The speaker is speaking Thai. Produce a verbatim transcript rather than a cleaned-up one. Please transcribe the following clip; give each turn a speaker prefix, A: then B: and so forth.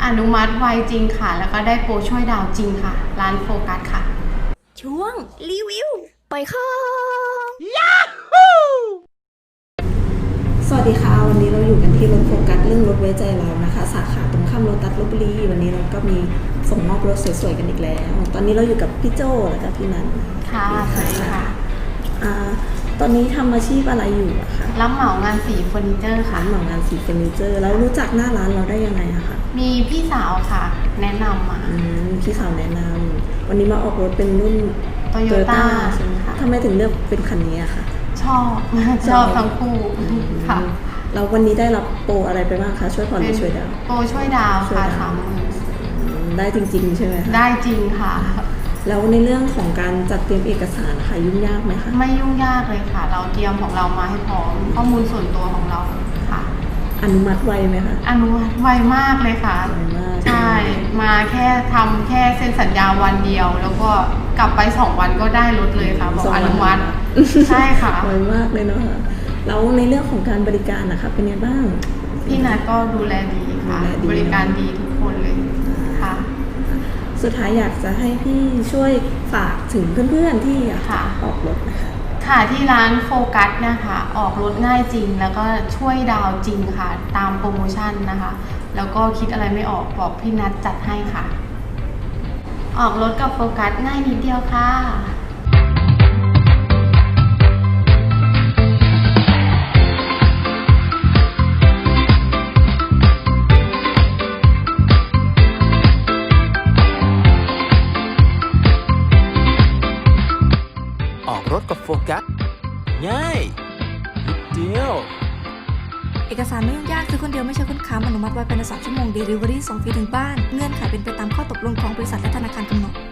A: อนุมัติไวจริงค่ะแล้วก็ได้โปรช่วยดาวจริงค่ะร้านโฟกัสค่ะ
B: ช่วงรีวิวไปค่ะ
C: สวัสดีค่ะวันนี้เราอยู่กันที่รถโฟกัสเรื่องรถไว้ใจเรานะคะสาขาตรงข้ามโลตัสลพบุรีวันนี้เราก็มีส่งมอบรถสวยๆกันอีกแล้วตอนนี้เราอยู่กับพี่โจแล้วก็พี่นัน
A: ค่ะสวัสดีค่ะ
C: อ่าตอนนี้ทำอาชีพอะไรอยู่อะคะ
A: รับเหมางานสีเฟอร์นิเจอร์ค่ะ
C: เหมางานสีเฟอร์นิเจอร์แล้วรู้จักหน้าร้านเราได้ยังไงอะคะ
A: มีพี่สาวค่ะแนะนำมา
C: อืมพี่สาวแนะนำวันนี้มาออกรถเป็นรุ่น
A: Toyota
C: ใช่ไหมคะทำไมถึงเลือกเป็นคันนี้อะคะ
A: ชอบชอบทั้งคู่ค่ะ
C: แล้ววันนี้ได้รับโปรอะไรไปบ้างคะช่วยผ่อนหรือช่วยดาว
A: โปรช่วยดาวค่ะสามหมื่น
C: ได้จริงๆใช่ไหม
A: ได้จริงค่ะ
C: แล้วในเรื่องของการจัดเตรียมเอกสารค่ะยุ่งยากไหมคะ
A: ไม่ยุ่งยากเลยค่ะเราเตรียมของเรามาให้พร้อมข้อมูลส่วนตัวของเราค่ะ
C: อนุมัติไวไหมคะ
A: อนุมัติไวมากเลยค่ะ
C: ไวมาก
A: ใช่มาแค่ทำแค่เซ็นสัญญาวันเดียวแล้วก็กลับไปสองวันก็ได้รถเลยค่ะบอกอนุมัติใช่ค่ะ
C: ไวมากเลยเนาะแล้วในเรื่องของการบริการนะคะเป็นยังไงบ้าง
A: พี่นัทก็ดูแลดีค่ะบริการดีทุกคนเลยค่ะ
C: สุดท้ายอยากจะให้พี่ช่วยฝากถึงเพื่อนๆที่อยากออกรถนะคะ
A: ค่ะที่ร้านโฟกัสนะคะออกรถง่ายจริงแล้วก็ช่วยดาวจริงค่ะตามโปรโมชั่นนะคะแล้วก็คิดอะไรไม่ออกบอกพี่นัทจัดให้ค่ะออกรถกับโฟกัสง่ายนิดเดียวค่ะ
D: ออกรถกับโฟกัสง่ายนิดเดียว
B: เอกสารไม่ยุ่งยากซื้อคนเดียวไม่ใช่คนค้ำอนุมัติไว้ภายในสามชั่วโมง Delivery ส่งฟรีถึงบ้านเงื่อนไขเป็นไปตามข้อตกลงของบริษัทและธนาคารกำหนด